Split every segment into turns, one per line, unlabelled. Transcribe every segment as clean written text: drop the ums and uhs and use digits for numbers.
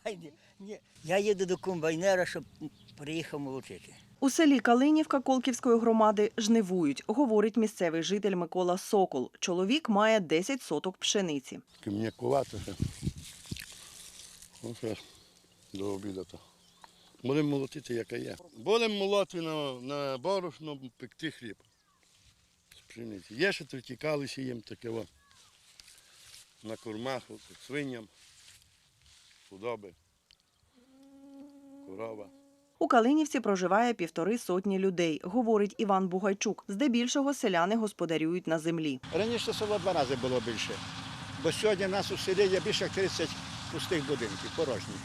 Ні, я їду до комбайнера, щоб приїхав молотити.
У селі Калинівка Колківської громади жнивують, говорить місцевий житель Микола Сокол. Чоловік має 10 соток пшениці.
М'якувато ще. Ось зараз до обіду. Будемо молотити, яка є. Будемо молоти на борошно, пекти хліб з пшениці. Є ще третікали сіємо таке на кормах, свиням, худоби, корова.
У Калинівці проживає 1,5 сотні людей, говорить Іван Бугайчук. Здебільшого селяни господарюють на землі.
Раніше село 2 рази було більше, бо сьогодні в нас у селі є більше як 30 пустих будинків, порожніх.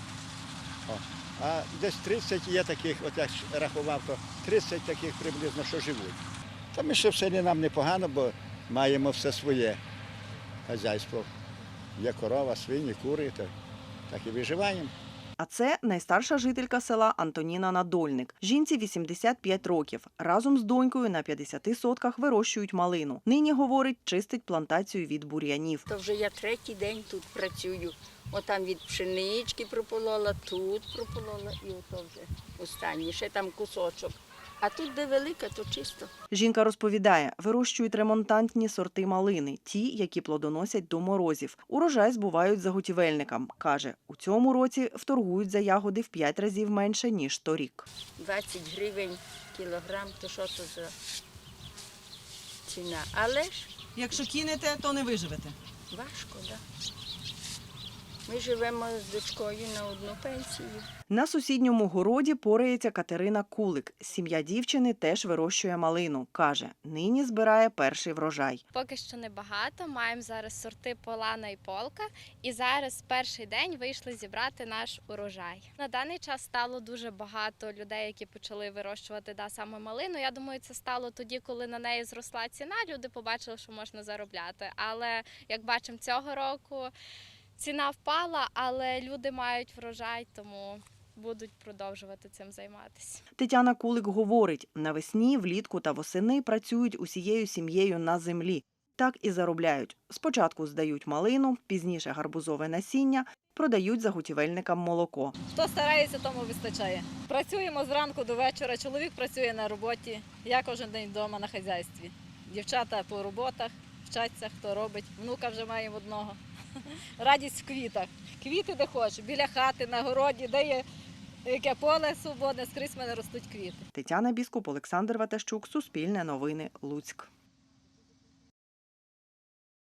А десь 30 є таких, от я рахував, то 30 таких приблизно, що живуть. Та ми ще в селі нам непогано, бо маємо все своє хазяйство. Є корова, свині, кури, так і виживаємо.
А це найстарша жителька села Антоніна Надольник. Жінці 85 років. Разом з донькою на 50 сотках вирощують малину. Нині, говорить, чистить плантацію від бур'янів.
То вже я 3-й день тут працюю. Отам від пшенички прополола, тут прополола і ото вже останнє, ще там кусочок. А тут, де велика, то чисто.
Жінка розповідає, вирощують ремонтантні сорти малини, ті, які плодоносять до морозів. Урожай збувають заготівельникам. Каже, у цьому році вторгують за ягоди в 5 разів менше, ніж торік.
20 гривень кілограм, то що то за ціна. Але ж
Якщо кинете, то не виживете.
важко, так. Ми живемо з дочкою на одну пенсію.
На сусідньому городі порається Катерина Кулик. Сім'я дівчини теж вирощує малину. Каже, нині збирає перший врожай.
Поки що небагато, маємо зараз сорти Полана і Полка. І зараз перший день вийшли зібрати наш урожай. На даний час стало дуже багато людей, які почали вирощувати саме малину. Я думаю, це стало тоді, коли на неї зросла ціна, люди побачили, що можна заробляти. Але, як бачимо, цього року ціна впала, але люди мають врожай, тому будуть продовжувати цим займатися.
Тетяна Кулик говорить, навесні, влітку та восени працюють усією сім'єю на землі. Так і заробляють. Спочатку здають малину, пізніше гарбузове насіння, продають заготівельникам молоко.
Хто старається, тому вистачає. Працюємо зранку до вечора, чоловік працює на роботі, я кожен день вдома на хазяйстві. Дівчата по роботах, вчаться, хто робить. Внука вже маємо одного. Радість в квітах. Квіти де хочеш, біля хати, на городі, де є яке поле свободне, скрізь в мене ростуть квіти.
Тетяна Біскуп, Олександр Ватащук, Суспільне новини, Луцьк.